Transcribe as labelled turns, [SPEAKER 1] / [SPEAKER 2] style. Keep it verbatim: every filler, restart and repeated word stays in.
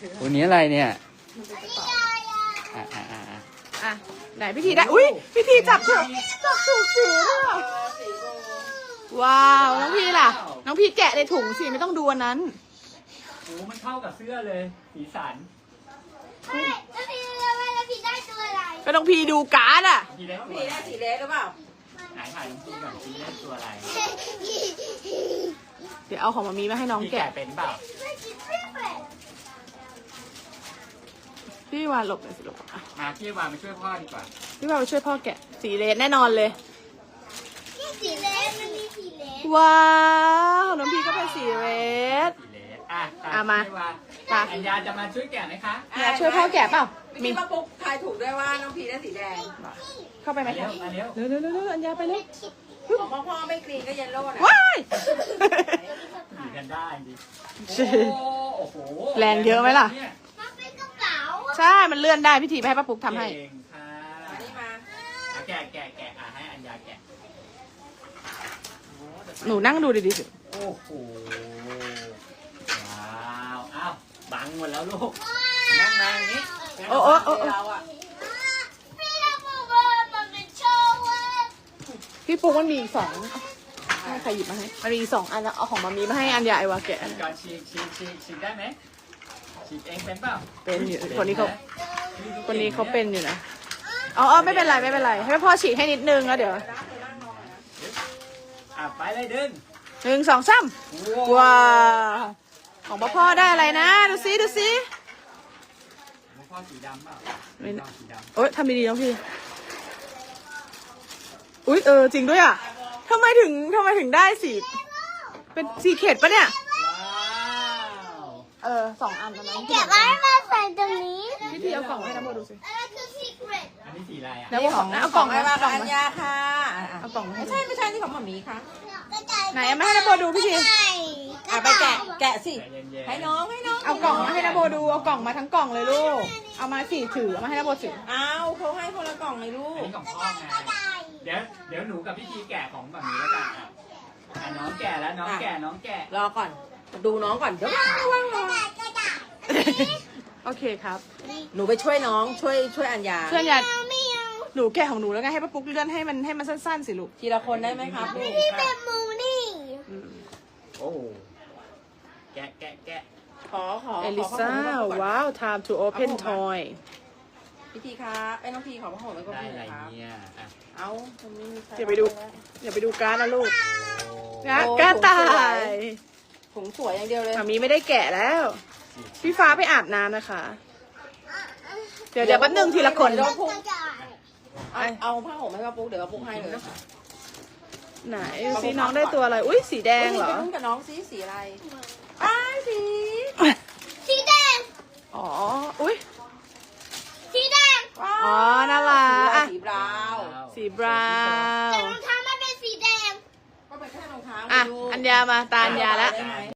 [SPEAKER 1] ตัวนี้อะไรเนี่ยอ่ะอ่ะอ่ะอ่ะไหนพี่ทีได้อุ้ยพี่ทีจับถูกจับถูกสีด้วยว้าวน้องพี่ล่ะน้องพี่แกะในถุงสิไม่ต้องดูอันนั้น
[SPEAKER 2] โอ้มันเข้ากับเสื้อเลยสีสัน
[SPEAKER 3] แล้วพี่แล้วพี่ได้ตัวอะไร
[SPEAKER 1] ก็ต้องพี่ดูการ์ดอ่ะ
[SPEAKER 2] พี่ได้
[SPEAKER 4] พี่ได้สีเล็กหรือเปล่า
[SPEAKER 2] ไหนถ่ายน้องพี่ก่อนพี่ได้ตัวอะไร
[SPEAKER 1] เดี๋ยวเอาของมามีมาให้น้องแกะ
[SPEAKER 2] เป็นเปล่า
[SPEAKER 1] พี่วานหลบเลยสิลูก
[SPEAKER 2] มาพี่วานมาช่วยพ่อดีกว่า
[SPEAKER 1] พี่วานไปช่วยพ่อแกะสีเลนแน่นอนเลย
[SPEAKER 3] นี่สีเลนมันมีสีเลน
[SPEAKER 1] ว้าวน้องพี่ก็เป็นสีเรด
[SPEAKER 2] สีเลนอ่ะ
[SPEAKER 1] อ่ะมา
[SPEAKER 2] ป่ะอัญญาจะมาช่วยแกะไหมคะ
[SPEAKER 1] อยากช่วยพ่อแกะเปล่า
[SPEAKER 4] มีป้าปุ๊กทายถูกด้วยว่าน้องพีได้สีแดง
[SPEAKER 1] เข้าไปไหมคะ
[SPEAKER 2] มาเร็ว
[SPEAKER 1] เร็วเร็วเร็วอัญญาไปเร็ว
[SPEAKER 4] ของพ่อพ่อไม่กรีนก็เยลโล่นะ
[SPEAKER 1] ว้าย
[SPEAKER 2] สีกันได้ดิโอ้โห
[SPEAKER 1] แรงเยอะไหมล่ะ
[SPEAKER 3] มันเป็นกระเป๋า
[SPEAKER 1] ใช่มันเลื่อนได้พี่ทีไปให้ป้าปุ๊กทำให้
[SPEAKER 4] อันนี้มา
[SPEAKER 2] แกะแกะแกะอ่ะให้อัญญาแกะ
[SPEAKER 1] หนูนั่งดูดีๆสิ
[SPEAKER 2] โอ้โหว้าวอ้าวบังหมดแล้วลูกนั่งมาอย่างนี้
[SPEAKER 1] โอ้โอ้โอ้
[SPEAKER 4] เราอ่ะ
[SPEAKER 3] พี่บอกว่ามันเป็นโชว์ว่า
[SPEAKER 1] พี่ปุ๊กมันมีอีกสองให้ใครหยิบมาให้มันมีอีกสองอันแล้วเอาของมามีมาให้อัญญาไอวาแกะ
[SPEAKER 2] การฉีกฉีกฉีกฉีกได้ไหมฉีกเองเป็นเปล่า
[SPEAKER 1] เป็นอยู่คนนี้เขาคนนี้เขาเป็นอยู่นะอ๋อไม่เป็นไรไม่เป็นไรให้พ่อฉีกให้นิดนึงแล้วเดี๋ยว
[SPEAKER 2] อ่ะไปเลยดึง
[SPEAKER 1] หนึ่งสองสามว้าของพ่อได้อะไรนะดูซิดูซิ
[SPEAKER 2] พ่อสีดำเปล่า
[SPEAKER 1] ไม่โอ๊ยทำดีๆน้องพี่อุ๊ยเออจริงด้วยอ่ะทำไมถึงทำไมถึงได้สีเป็นสีเข็ดปะเนี่ยเออสองอันตอนนั้น
[SPEAKER 3] เก็บไว้มาใส่ตรงนี้
[SPEAKER 1] พี่ทีเอากล่องให้น้ำโมดูสิ
[SPEAKER 3] อันนั้นคือซีเครต
[SPEAKER 2] อันนี้สีอะไรอ่ะ
[SPEAKER 1] แล้วของเอากล่องให้มา
[SPEAKER 4] อัญญาค่ะ
[SPEAKER 1] เอากล่อง
[SPEAKER 4] ไม่ใช่ไม่ใช่ที่ของหมามีค่ะ
[SPEAKER 1] ไหนมาให้น้ำโมดูพี่ที
[SPEAKER 4] อ่ะไปแกะแกะสิให้น้องให้น้อง
[SPEAKER 1] เอากล่องมาให้น้ำโมดูเอากล่องมาทั้งกล่องเลยลูกเอามาสี่ถือเอามาให้น้ำโมถือ
[SPEAKER 4] เอาเขาให้คนละกล่องเลยลูก
[SPEAKER 2] อันนี้ของพ่อไงเดี๋ยวเดี๋ยวหนูกับพี่ทีแกะของแบบนี้แล้วกันอ่ะน้องแกะแล้วน้องแกะน้องแกะ
[SPEAKER 4] รอก่อนดูน้องก่อนเดี๋ยวว่างว่างรอ
[SPEAKER 1] โอเคครับ
[SPEAKER 4] หนูไปช่วยน้องช่วยช่วยอัญญา
[SPEAKER 1] ช่วยอัญญาหนูแกะของหนูแล้วไงให้ป้าปุ๊กเลื่อนให้มันให้มันสั้นๆสิลูก
[SPEAKER 4] ทีละคนได้ไหมครับลูก
[SPEAKER 3] พี่เป็นมูนี่
[SPEAKER 2] โอ้แกะแกะแกะ
[SPEAKER 4] ขอขอ
[SPEAKER 1] เอลิซ่าว้าว time to open toy
[SPEAKER 4] พี่ทีครับไอ้น้องพีขอพ่อผมแล้วก็พี่ครับเอา
[SPEAKER 1] อย่าไปดูอย่าไปดูการ์ดนะลูกการ์ดตาย
[SPEAKER 4] ถุงสวยอย่างเดียวเลย
[SPEAKER 1] มามีไม่ได้แกะแล้วพี่ฟ้าไปอาบน้ำนะคะเดี๋ยวเดี๋ยวแป๊บนึงทีละคน
[SPEAKER 4] เอาผ้าห่มให้ป้าปุ๊กเดี๋ยวป้าปุ๊กให้เลย
[SPEAKER 1] ไหนสีน้องได้ตัวอะไรอุ้ยสีแดงเหรอ
[SPEAKER 4] ไปลุ้นกับน้องสีสีอะไรอ้าสี
[SPEAKER 3] สีแดง
[SPEAKER 1] อ๋ออุ้ย
[SPEAKER 3] สีแดง
[SPEAKER 1] อ๋อน่ารัก
[SPEAKER 4] สีบราว
[SPEAKER 1] สีบราว
[SPEAKER 3] แต่รองเท้ามันเป็นสีแดง
[SPEAKER 4] ก็เป็นแค่รองเท้า
[SPEAKER 1] อ่ะอัญญามาตาอัญญาแล้ว